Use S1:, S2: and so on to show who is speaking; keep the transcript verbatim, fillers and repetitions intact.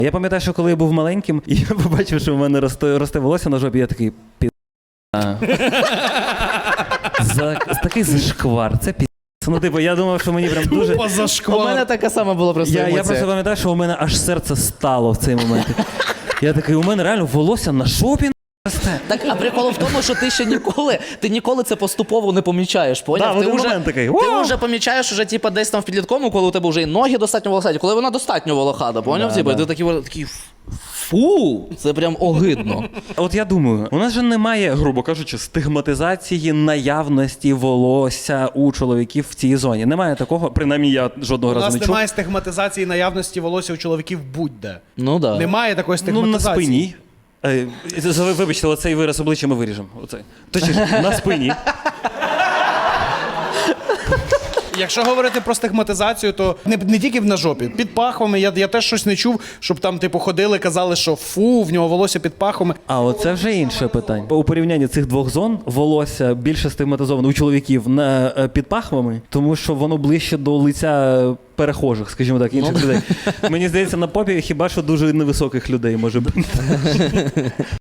S1: Я пам'ятаю, що коли я був маленьким, і я побачив, що в мене росте, росте волосся на жопі, я такий пі... За... Такий зашквар, це пі... Ну, типу, я думав, що мені прям дуже...
S2: У мене така сама була просто
S1: я,
S2: емоція.
S1: я просто пам'ятаю, що у мене аж серце стало в цей момент. Я такий, у мене реально волосся на жопі росте.
S2: Так, а прикол в тому, що ти ще ніколи, ти ніколи це поступово не помічаєш, поняв?
S1: Да,
S2: ти
S1: в один
S2: вже,
S1: момент такий,
S2: ти
S1: «О!»
S2: вже помічаєш уже, типу, десь там в підлітковому, коли у тебе вже і ноги достатньо волохаті, коли вона достатньо волохата, поняв?
S1: Да,
S2: Типу,
S1: да.
S2: і ти такий, такий, фу, це прям огидно.
S1: От я думаю, у нас же немає, грубо кажучи, стигматизації наявності волосся у чоловіків в цій зоні. Немає такого, принаймні я жодного
S3: У
S1: разу
S3: нас
S1: не чув.
S3: немає стигматизації наявності волосся у чоловіків будь-де.
S2: Ну да.
S3: Немає такої
S1: Ну, на
S3: стигматизації.
S1: спині. Е, ви- Вибачте, оцей вираз обличчя ми виріжемо. Оцей. Точніше, на спині.
S3: Якщо говорити про стигматизацію, то не, не тільки на жопі. Під пахвами я, я теж щось не чув, щоб там типу ходили, казали, що фу, в нього волосся під пахвами.
S1: А оце вже інше питання. У порівнянні цих двох зон волосся більше стигматизовано у чоловіків на е, під пахвами, тому що воно ближче до лиця перехожих, скажімо так, інших людей. Мені здається, на попі хіба що дуже невисоких людей може бути.